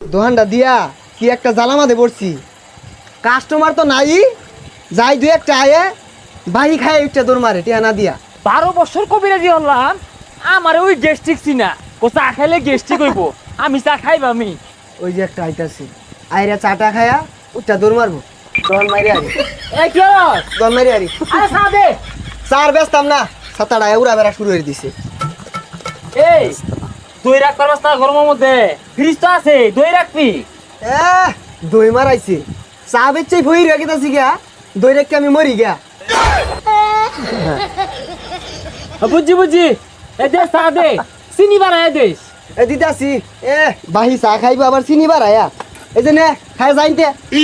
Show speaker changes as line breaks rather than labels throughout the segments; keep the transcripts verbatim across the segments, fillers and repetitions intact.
দোকানটা দিয়া কি একটা জ্বালামাতে পড়ছি, কাস্টমার তো নাই, যাই দুই একটা আয়ে বাহি খায় একটা দৌড় মারে টিয়া না দিয়া।
বারো বছর কবিরাজি হলাম, আমার ওই গ্যাস্ট্রিক চিনা, ও চা খাইলে গ্যাস্ট্রিক হইব, আমি চা খাইব আমি।
ওই যে একটা আইতাছে, আইরা চাটা খায়া উঠটা দৌড় মারবো, দোকান মারি আরি
এই কি হলো?
দোকান মারি আরি
আরে চা দে।
চার বেচতাম না, সাতাটা উড়া বেড়া শুরু হয়ে দিছে।
এই দই রাখবার ব্যবস্থা গরমের মধ্যে ফ্রিজ তো আছে, দই রাখবি।
এ দই মারাইছে, চা বেচছে ভই রেখে তাছি গিয়া, দই রেখে আমি মরি গিয়া।
বুঝছি বুঝছি, এ দে চা দে, চিনি বানায় দে।
এ দিতে আসি, এ বাহি চা খাইবো আবার চিনি বাড়ায়া, এই যে নে খাই যাইতে।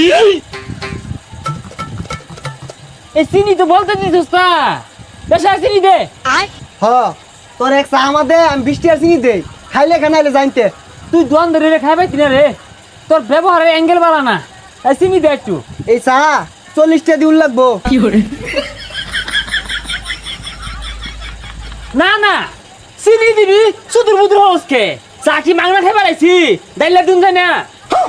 এই চিনি তো বলতে দিছিস না, বেশি আর চিনি দে।
হ তোর এক চা আমার দে, আমি বৃষ্টি আর চিনি দেই, খাইলে খানাইলে জানতে।
তুই দোয়ান ধরে রে খাইবাই তিনা রে, তোর ব্যবহারের অ্যাঙ্গেল বাড়া না। এই চিনি দে একটু।
এই চা চল্লিশটা দিউল লাগবো।
না না চিনি দিবি, সুদূর বুদুর হসকে চা কি মাংনা খাই বাড়াইছি, ডাইলা দুন যায় না।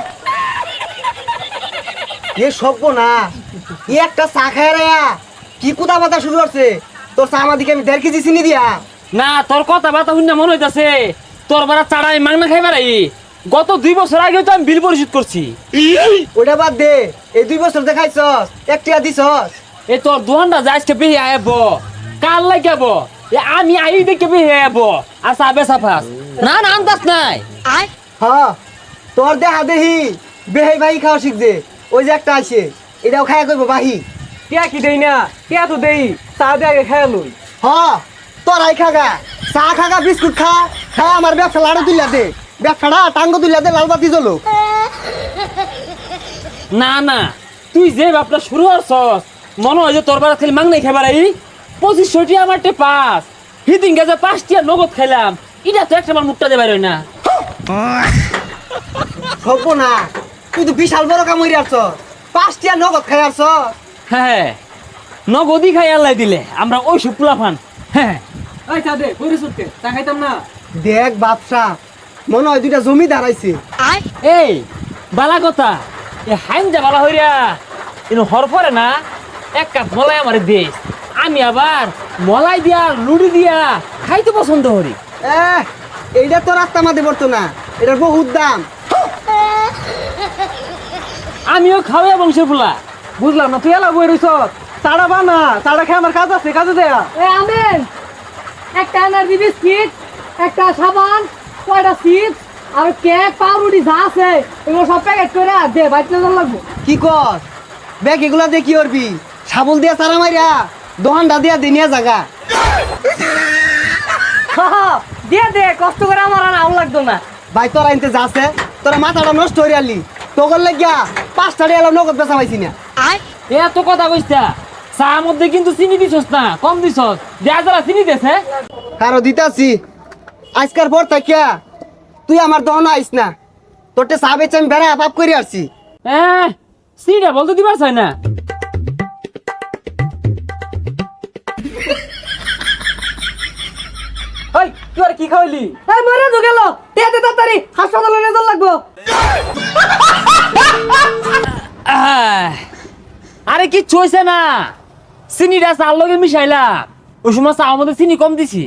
এ সভ্য না, ই একটা চা খায় রে কি কুদা বাতা শুরু করছে, তোর চা আমার দিকে আমি দেড় কেজি চিনি দিয়া।
না তোর কথা বার্তা শুনে মনে হইতাছে তোর বারা চাড়া আমি মাংনা খাই বাড়াই। গত দুই বছর আগে তো আমি বিল পরিশোধ করছি।
ওটা বাদ দে, এই দুই বছর দেখাইছস একটা দিছস।
এ তোর দোকানটা যাইছে বেহি আইব, কাল লাগাব, এ আমি আই দেখে বেহি আইব, আর চা বেচা ফাস। না না আন্দাজ নাই।
হ তোর দেহা দেহি বেহে বাহি খাওয়া শিখছে, ওই যে একটা আছে এটাও খায়া করবো বাহি।
টিয়া কি দেই না, টিয়া তো দেই, চা দিয়ে আগে খাই লই।
হ তোরাই খাগা, চা খাগা, বিস্কুট খা, খায় আমার ব্যবসা লাড়ু তুলিয়া দে, ব্যবসাটা টাঙ্গ তুলিয়া দে, লাল বাতি জ্বলো।
না না তুই যে বাপটা শুরু করছস, মনে হয় যে তোর বারা খালি মাংনাই খাই বাড়াই। পঁচিশশোটি আমার টে পাস, হিদিন গেছে পাঁচটিয়া নগদ খাইলাম, এটা তো একটা আমার মুখটা দেবার না।
সভ্য না, তুই তো বিশাল বড় কাম হইরে আসছ, পাঁচটিয়া নগদ খাই আসছ।
হ্যাঁ নগদই খাই আল্লাহ দিলে, আমরা ওই সব পোলাফান। হ্যাঁ ওই চা দে, পরিশোধকে চা খাইতাম না।
দেখ বাপসা, মনে হয় দুইটা জমি দাঁড়াইছে।
এই বালা কথা, এ হাইনজা বালা হইরা কিন্তু হরফরে না এক কাপ মলাই আমার দেশ, আমি আবার মলাই দিয়া লুড়ি দিয়া খাইতে পছন্দ করি।
এ এইটা তোর আত্মা মাঝে পড়তো না, এটার বহুত দাম।
আমিও খাওয়া বংশের ফুলা।
বুঝলাম না, তুই এলা বই রইছ, চাড়া বানা, চাড়া খেয়ে আমার কাজ আছে, কাজে দেয়া।
এ আমেন, একটা এনার্জি বিস্কিট, একটা সাবান, কয়টা চিপস আর কেক, পাউরুটি যা আছে এগুলো সব প্যাকেট করে দে, বাইতে না লাগবো।
কি কর ব্যাগ এগুলা দিয়ে কি করবি, সাবল দিয়া চারা মাইরা দোকানটা দিয়া দিনিয়া জাগা।
দিয়ে দে, কষ্ট করে আমার আর আউ লাগতো না।
ভাই তোরা আনতে যাচ্ছে, তোরা মাথাটা নষ্ট হয়ে আলি, তোর লাগিয়া পাঁচটা এলাম নগদ বেচা পাইছি না।
এত কথা কইতা, চা মধ্যে কিন্তু চিনি দিছস না, কম দিছস, দেয়া যারা চিনি দেছে।
কারো দিতাছি, আজকার পর থাকিয়া তুই আমার দহন আইস না, তোরটে চা বেচে আমি বেড়া পাপ করে আসছি।
হ্যাঁ চিনিটা বলতে দিবার চাই না।
ওই তুই আর কি খাওয়াইলি? এই মরে তো গেল, দে দে তাড়াতাড়ি, হাসপাতালে নিয়ে যাওয়া লাগবো।
আহ, আরে কি চইছে না, চিনিটা চার লগে মিশাইলাম, ওই সময় চা মধ্যে চিনি কম দিছি।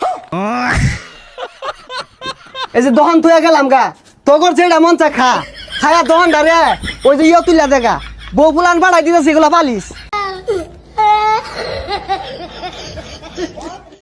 এই যে দহন থুয়া গেলাম গা, তোর যেটা মন চা খা, খায়া দহন ডারে ওই যে ইয়ে তুলিয়া দেখা, বউ ফুলান বাড়াই দিতেছে এগুলা পালিস।